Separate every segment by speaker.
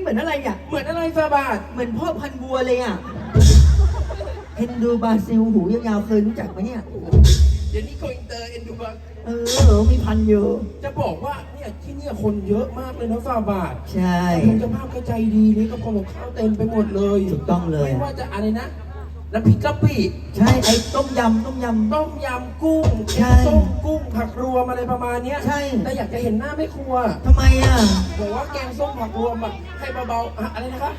Speaker 1: มือนอะไรอ่ะ
Speaker 2: เหมือนอะไรฟาบาท
Speaker 1: เหมือนพ่อพันธุ์วัวเลยอ่ะเฮนดูบราซิลหูยาวๆเคยรู้จักไหมเนี่ย
Speaker 2: เดี๋ยวนี้โกอินเตอร์เอ็นดูบัง
Speaker 1: มีพันธุ์อยู่
Speaker 2: จะบอกว่าเนี่ยที่เนี่ยคนเยอะมากเลยนะฟาบาท
Speaker 1: ใช่
Speaker 2: คุณเจ้าภาพก็ใจดีนี่ก็คนของข้าวเต็มไปหมดเลย
Speaker 1: ถูกต้องเลย
Speaker 2: ไม่ว่าจะอะไรนะน้ำพริกกะปิ
Speaker 1: ใช่ไอ้ต้มยำ
Speaker 2: ต้มยำกุ้ง
Speaker 1: ใช่
Speaker 2: ต้มกุ้งผักรวมอะไรประมาณเนี้ย
Speaker 1: ใช่
Speaker 2: แต่อยากจะเห็นหน้าแม่ครัว
Speaker 1: ทำไมอ่ะ
Speaker 2: บอกว่าแกงส้มผักรวมแบบให้เบาๆอะไรนะคะ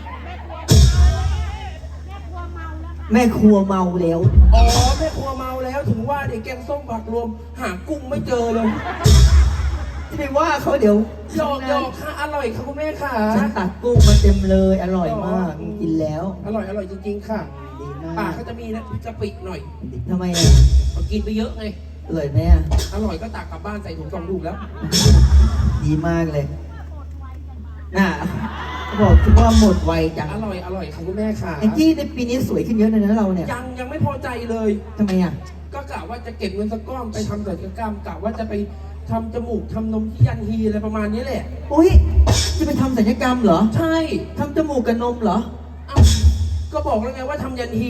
Speaker 1: แม่ครัวเมาแล้ว
Speaker 2: อ๋อแม่ครัวเมาแล้วถึงว่าเด็กแกงส้มผักรวมหากุ้งไม่เจอเลย
Speaker 1: จะไปว่าเขาเดี๋ยว
Speaker 2: หยอกค่ะอร่อยค่ะคุณแม่ค่ะ
Speaker 1: ฉันตักกุ้งมาเต็มเลยอร่อยมากกินแล้ว
Speaker 2: อร่อยจริงๆค่ะ
Speaker 1: ดีมา
Speaker 2: ปาก กก็จะมีนะพริกกะปิหน่อย
Speaker 1: ทำไมอ่ะ
Speaker 2: เขากินไปเยอะไง
Speaker 1: อร่อยไหมอ่ะ
Speaker 2: อร่อยก็ตักกลับบ้านใส่ถุง2 ลูกแล้ว
Speaker 1: ดีมากเลยน่ะบอกว่าหมดไวจัง
Speaker 2: อร่อยค่ะคุณแม่ค่ะ
Speaker 1: แองจี้ในปีนี้สวยขึ้นเยอะเลยนะเราเนี่ย
Speaker 2: ยังไม่พอใจเลย
Speaker 1: ทำไมอ่ะ
Speaker 2: ก็กะว่าจะเก็บเงินสักก้อนไปทำศัลยกรรมกะว่าจะไปทำจมูกทำนมที่ยันฮีอะไรประมาณนี้แหละ
Speaker 1: อุ้ยจะไปทำศัลยกรรมเหรอ
Speaker 2: ใช่
Speaker 1: ทำจมูกกับนมเหรอ
Speaker 2: เอ้าก็บอกแล้วไงว่าทำยันฮี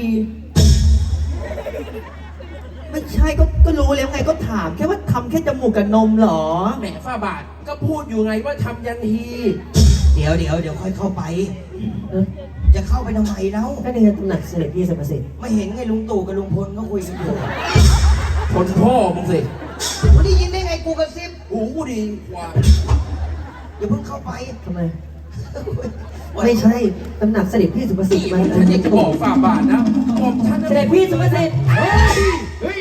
Speaker 1: ไม่ใช่ก็รู้แล้วไงก็ถามแค่ว่าทำแค่จมูกกับนมเหรอ
Speaker 2: แหมฝ้าบาทก็พูดอยู่ไงว่าทำยันฮี
Speaker 3: เดี๋ยวค่อยเข้าไป จะเข้าไปทำไมแล้ว
Speaker 1: ก็ในตำหนักเสด็จพี่สมเสด็จ
Speaker 3: ไม่เห็นไงลุงตู่กับลุงพลก็คุยกันอยู่
Speaker 2: คนพ่อมึงสิ
Speaker 3: กูได้ยินได้ไงกูกระซิบ
Speaker 2: หูกูดีกว่า
Speaker 3: อย่าเพิ่งเข้าไป
Speaker 1: ทำไม ไม่ใช่ตำหนักเสด็จพี่สุภสิท
Speaker 2: นี่
Speaker 1: ธิ์มัน
Speaker 2: ฉันอยากจะบอกฝ่าบาทนะบอกฉันนะ
Speaker 1: เสด็จพี่สุภสิทธิ์
Speaker 2: เฮ้ย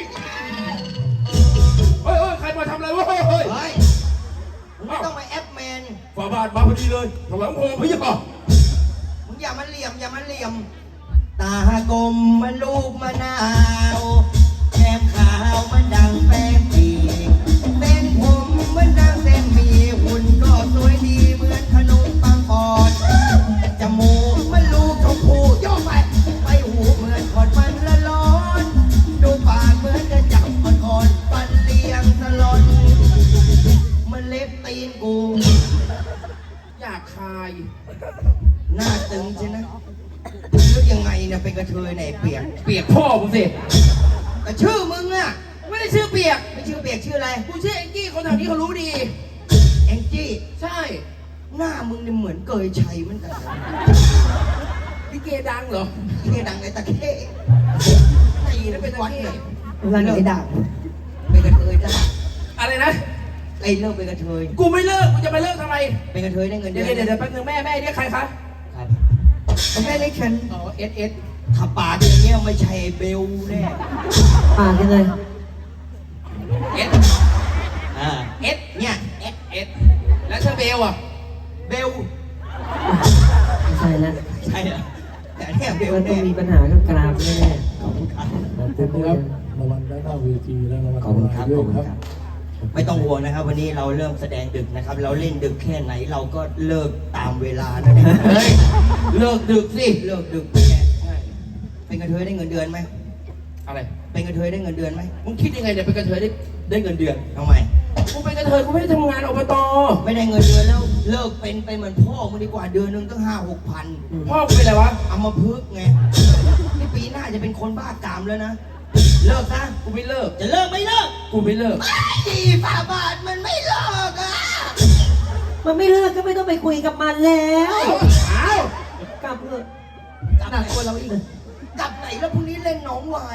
Speaker 2: ใครมาทำอะไรวะเฮ้ย
Speaker 3: เฮ้ยมึงไม่ต้องมาแอปแมน
Speaker 2: ฝ่าบาทมาพอดีเลยถวายพงพี่ยังบอก
Speaker 3: มึงอย่ามาเหลี่ยม ตากลมมันลูกมะนาวแก้มขาวมันดังแป้งปีเส้นผมมันดังเส้นหมีหุ่นก็สวยดีเหมือนขนมปังปอนจมูกมันลูกชมพูย่อไปหูเหมือนขอดมันละร้อน ดูปากเหมือนจะจับอ่อนๆฟันเลียงสลอนมันเล็บตีนกู
Speaker 2: อยากคาย
Speaker 3: หน้าตึงใช่ไหมแล้วยังไงเนี่ยเป็นกระเทยไหนเปียก
Speaker 2: เปียกพ่อมึงสิ
Speaker 3: แต่ชื่อมึงอะ
Speaker 2: ไม่ได้ชื่อเปียก
Speaker 3: ไม่ชื่อเปียกชื่ออะไร
Speaker 2: กูชื่อแองจี้คนแถวนี้เขารู้ดี
Speaker 3: แองจี้
Speaker 2: ใช่
Speaker 3: หน้ามึงเนี่ยเหมือนเกยชัยเหมือนกัน
Speaker 2: ลิเกดังเหรอ
Speaker 3: ที่ดังไอ้ตะเข้
Speaker 2: ตีแล้วเป็นตะ
Speaker 3: วัด
Speaker 2: เข้
Speaker 3: เนี่ย
Speaker 1: เวลาไหนด่า
Speaker 3: เป็นกระเทยได้
Speaker 2: อะไรนะ
Speaker 3: ไอ้เลิกเป็นกระเทย
Speaker 2: กูไม่เลิกกูจะไปเลิกทำไม
Speaker 3: เป็นกระเทยได้เงินเดื
Speaker 2: เดี๋
Speaker 3: อย น
Speaker 2: วแป๊บนึงแม่เรียกใครคะ
Speaker 3: ครับ
Speaker 1: แม่เล็กฉัน
Speaker 2: อ๋อเอส
Speaker 3: ขับปากอย่างเงี้ยไม่ใช่เบลแน่
Speaker 1: ปากยังไง
Speaker 2: เอส
Speaker 3: เอสเนี่ยเอส
Speaker 2: แล้วเธอเบลอ่ะ
Speaker 3: เบล
Speaker 1: ไม่ใช่แล้ว
Speaker 3: ใช่เหรอแต่เนี่ยเบล
Speaker 1: มันต้อ
Speaker 3: แน่
Speaker 1: งมีปัญหากับกรามแน่
Speaker 3: ขอบคุณครับ
Speaker 4: ขอบคุณนะครับรางวัลด้านหน้าเวทีและรางวัล
Speaker 3: ขอบคุณครับ
Speaker 4: ด้
Speaker 3: ข
Speaker 4: ว
Speaker 3: อย บคุณ
Speaker 4: ครับ
Speaker 3: ครับ ไม่ต้องห่วงนะครับ วันนี้เราเริ่มแสดงดึกนะครับ เราเล่นดึกแค่ไหนเราก็เลิกตามเวลาแล้วเนี่ย
Speaker 2: เฮ้ยเลิกดึกสิ
Speaker 3: เลิกดึกแน่เป็นกระเทยได้เงินเดือนไหม
Speaker 2: อะไร
Speaker 3: เป็นกระเทยได้เงินเดือนไหม
Speaker 2: มึงคิดยังไงเนี่ยเป็นกระเทยได้เงินเดือน
Speaker 3: ทำไม
Speaker 2: กูเป็นกระเทยกูไม่ได้ทำงานอบต
Speaker 3: ไม่ได้เงินเดือนแล้วเลิกเป็นไปเหมือนพ่อมึงดีกว่าเดือนหนึงตั้ง5-6 พัน
Speaker 2: พ่อกูเป็นอะไรวะ
Speaker 3: เอามาพึกษ์ไงนี่ปีหน้าจะเป็นคนบ้ากามแล้วนะ เลิกซะ
Speaker 2: กูไม่เลิก
Speaker 3: จะเลิกไม่เลิก
Speaker 2: กูไม่เลิก
Speaker 3: ดีฝ่าบาทมันไม่เลิกอ่ะ
Speaker 1: มันไม่เลิกก็ไม่ต้องไปคุยกับมันแล้ว
Speaker 2: อ้าว
Speaker 1: กลับเถอะ
Speaker 3: กลับ
Speaker 1: หนัก
Speaker 3: ไหน
Speaker 1: กว่าเราอีก
Speaker 3: กลับไหนแล้วพรุ่งนี้เล่นหนองหวาย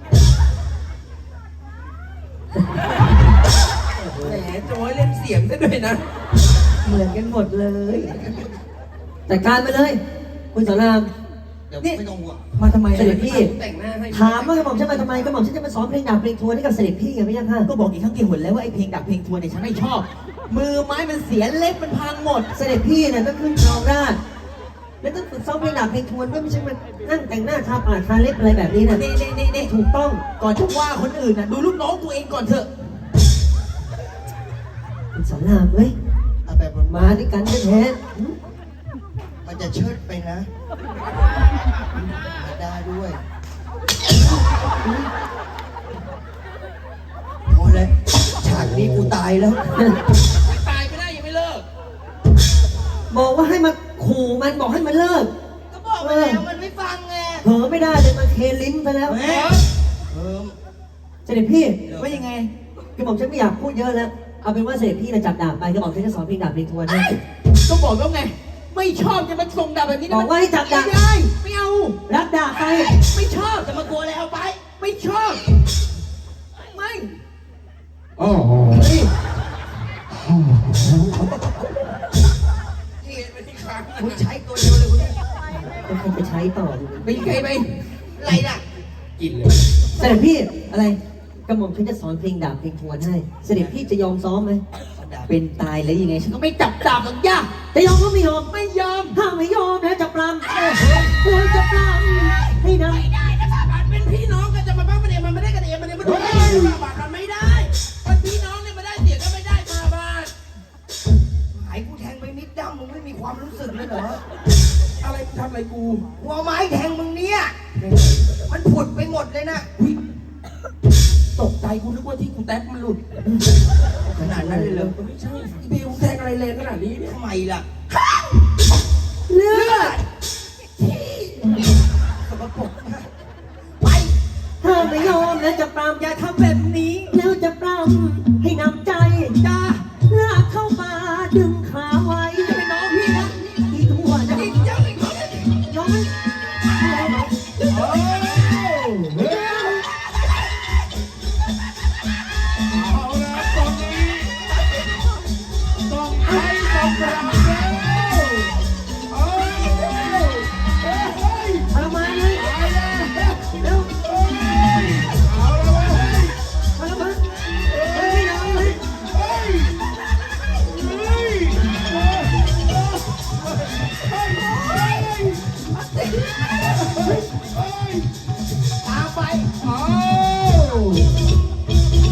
Speaker 2: แหมโจ้ยเล่นเสียงซะด้วยนะ
Speaker 1: เหมือนกันหมดเลยจัดการไปเลย คุณสอนราม
Speaker 3: เดี๋ยว
Speaker 1: นี่
Speaker 3: ไม่ต้องห่วง
Speaker 1: มาทำไมเสด็จพี่
Speaker 2: แต่งหน้าให้
Speaker 1: ถามว่ากระหม่อมฉันมาทำไมกระหม่อมฉันจะมาซ้อมเพลงดาบเพลงทวนให้กับเสด็จพี่ไงไม่ยังค่ะก็บอกอีกครั้งกี่หนแล้วว่าไอ้เพลงดาบเพลงทวนเนี่ยฉันไม่ชอบ มือไม้มันเสียเล็บมันพังหมด เสด็จพี่เนี่ยต้องขึ้นครองราชย์แล้วต้องฝึกซ้อมเพลงดาบเพลงทวนด้วยไม่ใช่มันนั่งแต่งหน้าทาปากทาเล็บอะไรแบบนี้นะนี่ถูกต้องก่อนจะว่าคนอื่นนะดูลูกน้องตัวเองก่อนเถอะคุณสอนรามเฮ้ย
Speaker 3: เอาแบบมัน
Speaker 1: มาด้วยกันแท้
Speaker 3: มันจะเชิดไปนะมาได้ด้วยพอแล้วฉากนี้กูตายแล้ว
Speaker 2: ตายไม่ได้ยังไม่เลิก
Speaker 1: บอกว่าให้มาขู่มันบอกให้มันเลิก
Speaker 3: ก็บอกไปแล้วมันไม่ฟังไง
Speaker 1: เผลอไม่ได้เลยมันเคลิ้นไปแล้ว
Speaker 3: แม่เออ
Speaker 1: เสด็จพี่
Speaker 3: ว่ายังไง
Speaker 1: กระหม่อมฉันไม่อยากพูดเยอะแล้วเอาเป็นว่าเสด็จพี่นะจับดาบไปกระหม่อมฉันจะสอนเพลงดาบเพลงทวนให้
Speaker 2: ก็บอกแล้วไง ไม่ชอบจะมาส่งดาบแบบนี้นะ
Speaker 1: บอกว่าให้จับดาบ
Speaker 2: ไม่ได้ไม่เอา
Speaker 1: รับดาบไป
Speaker 2: ไม่ชอบ
Speaker 3: จะมากลัวอะไรเอาไป
Speaker 2: ไม่ชอบ ไม่
Speaker 4: อ๋อ
Speaker 2: นี่
Speaker 3: นี่ไม่ที่ค้างคุณใช้ตัวเดียวเลยคุณเนี่ย
Speaker 1: ก็คงไปใช้ต่อดู
Speaker 2: ไปไกลไป
Speaker 3: อะไรล่ะ
Speaker 2: กินเลย
Speaker 1: เสด็จพี่อะไรกระหม่อมฉันจะสอนเพลงดาบเพลงทวนให้เสด็จพี่จะยอมซ้อมไหมเป็นตายแล้วยังไงฉันก็
Speaker 2: ก็ไม่จับดาบหรอกย่า
Speaker 1: จะยอมก็ไม่ยอม
Speaker 2: ไม่ยอม
Speaker 1: ถ้าไม่ยอมนะจะปรำควรจะปรำให้น
Speaker 2: ไม่ได้นะฝาบาทเป็นพี่น้องกันจะมาบ้างมันเองมันไม่ได้กันเองมันเองมันถูกฝาบาทมันไม่ได้เป็นพี่น้องเนี่ยมาได้เสียก็ไม่ได้ฝาบาท
Speaker 3: หายกูแทงไปนิดดำมึงไม่มีความรู้สึกเลยเหรอ
Speaker 2: อะไรทำอะไรกู
Speaker 3: หัวไม้แทงมึงเนี่ย มันผุดไปหมดเลยนะ
Speaker 2: อุ๊ยตกใจกูนึกว่าที่กูแท็กมันหลุด
Speaker 3: ขนาดนั้นเลยเหรอ
Speaker 2: ไม่ใช่อีเบลแทงอะไรแรงขนาดนี้เนี่ย
Speaker 3: ทำไมล่ะ
Speaker 1: ำเลือด
Speaker 3: สกปรกมากไป
Speaker 1: ถ้าไม่ยอมนะจะปรำ
Speaker 2: อย่าทำแบบนี้
Speaker 1: แล้วจะปรำให้นำใจ
Speaker 2: จ้า
Speaker 1: ลากเข้ามาดึงขาไว้จะเป็นน้องพี่นะอีทั่วนะ
Speaker 2: อีกเจ้าอีกคน
Speaker 1: น้องไม่
Speaker 4: โอ้เฮ้ยเอาละตอนนี้ต้องให้ต้องกลับแล้วโอ้เฮ้ย
Speaker 1: ทรมานเลย
Speaker 4: ตายแล้ว
Speaker 1: เร็ว
Speaker 4: เอาละเว้ย
Speaker 1: ทรมานไม่ยอมเลย
Speaker 4: เฮ้ยเฮ้ยเฮ้ยเฮ้ย
Speaker 3: ตามไป
Speaker 4: เอา